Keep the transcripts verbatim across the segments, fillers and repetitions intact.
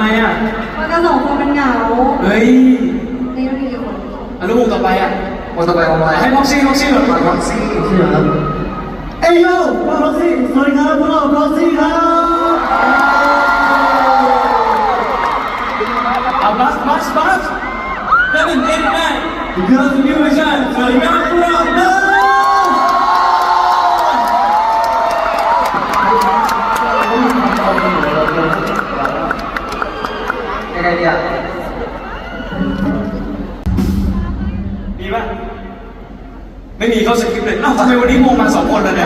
มอ่ะมันก็สองคนมันเหงาเฮ้ยนี่ต้องมีกี่คนอ่ะแล้ววงต่อไปอ่ะวงต่อไปวงอะไรให้พ็อกซี่พ็อกซี่ก่อนพ็อกซี่ใช่ไหมครับเอ้ยโย่พ็อกซี่สวัสดีครับพวกเราพ็อกซี่ครับเอาบัสบัสบัสเล่นเล่นแม่เกิร์ลนิวเวอร์ชันสวัสดีครับพวกเราเนอะยังไงเนี่ยมีป่ะไม่มีเขาสคริปต์เลยอ้าวทำไมวันนี้วงมาสองคนแล้วเนี่ย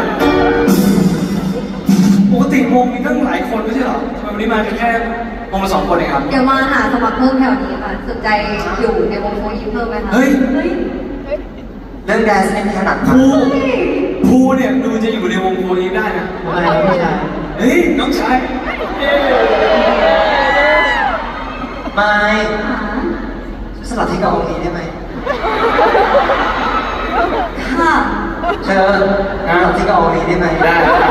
ปกติวงมีตั้งหลายคนไม่ใช่หรอทำไมวันนี้มาแค่วงละสองคนเองครับเดี๋ยวมาหาสมัครเพิ่มแถวนี้ค่ะสนใจอยู่ในวงโฟยิปเพิ่มไหมคะเฮ้ยเรื่องแดนซ์ไม่ถนัดภูภูเนี่ยดูจะอยู่ในวงโฟนี้ได้นะอะไรพี่ชายเฮ้ยน้องชายไม่สลับที่กับองค์นี้ได้ไหมค่ะเธอสลับที่กับองค์นี้ได้ไหมได้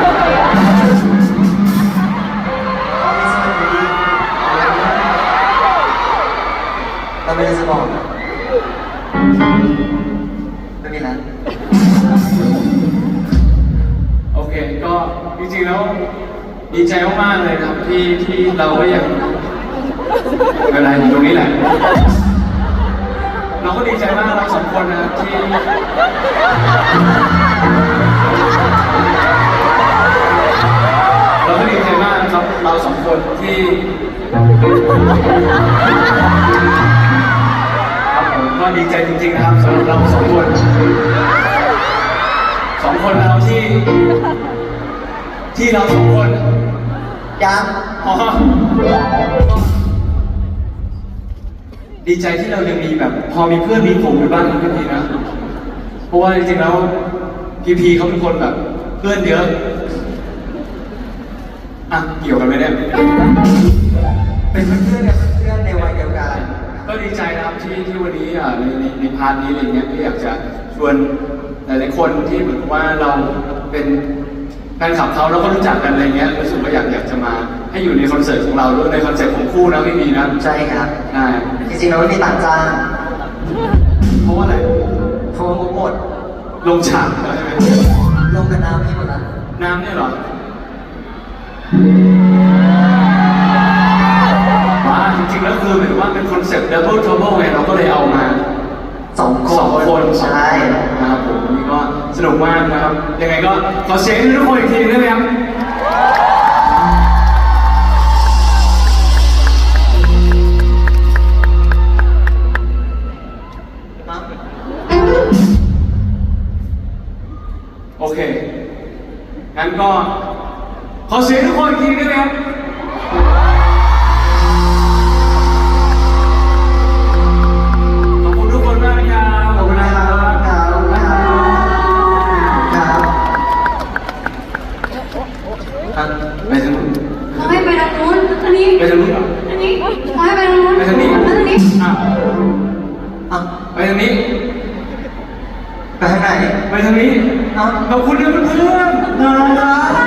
เราไม่ได้สมองไม่มีแล้วโอเคก็จริงๆแล้วดีใจมากๆเลยครับที่ที่เราก็ยังไม่เป็นไรอยู่ตรงนี้แหละเราก็ดีใจมากเราสองคนนะที่เราก็ดีใจมากนะครับเราสองคนที่ครับผมก็ดีใจจริงๆนะครับสำหรับเราสองคนสองคนเราที่ที่เราสองคนยังอ๋อดีใจที่เรายังมีแบบพอมีเพื่อนมีกลุ่มอยู่บ้างนะพี่พีนะเพราะว่าจริงๆแล้วพี่พีเขาเป็นคนแบบเพื่อนเยอะอ่ะเกี่ยวกันไหมเนี่ยเป็นเพื่อนกันเพื่อนในวัยเดียวกันก็ดีใจนะครับที่ที่วันนี้อ่ะในในในพาร์ทนี้อะไรเงี้ยก็อยากจะชวนหลายๆคนที่เหมือนว่าเราเป็นแฟนคลับเขาแล้วก็รู้จักกันอะไรเงี้ยรู้สึกว่าอยากอยากจะมาให้อยู่ในคอนเสิร์ตของเราด้วยในคอนเสิร์ตของคู่นะพี่มีนะใช่ครับใช่จริงๆเราไม่มีต่างจ้างเพราะว่าอะไรเพราะว่าหมดลงฉากใช่ไหมลงกับน้ำพี่หมดละน้ำเนี่ยหรอว่าจริงๆแล้วคือเหมือนว่าเป็นคอนเซ็ปต์ Double Trouble ไงเราก็เลยเอามาสองคนสองคนใช่นะครับผมนี่ก็สนุกมากนะครับยังไงก็ขอเสียงให้ทุกคนอีกทีได้ไหมครับโอเคงั้นก็ขอเสียงทุกคนอีกทีได้ไหมครับไปทางนู้นเขาให้ไปทางนู้นอันนี้ไปทางนู้นเหรออันนี้เขาให้ไปทางนู้นไปทางนี้ไปทางนี้อ่ะอ่ะไปทางนี้ไปทางไหนไปทางนี้เอ้าขอบคุณนะเพื่อนๆนะ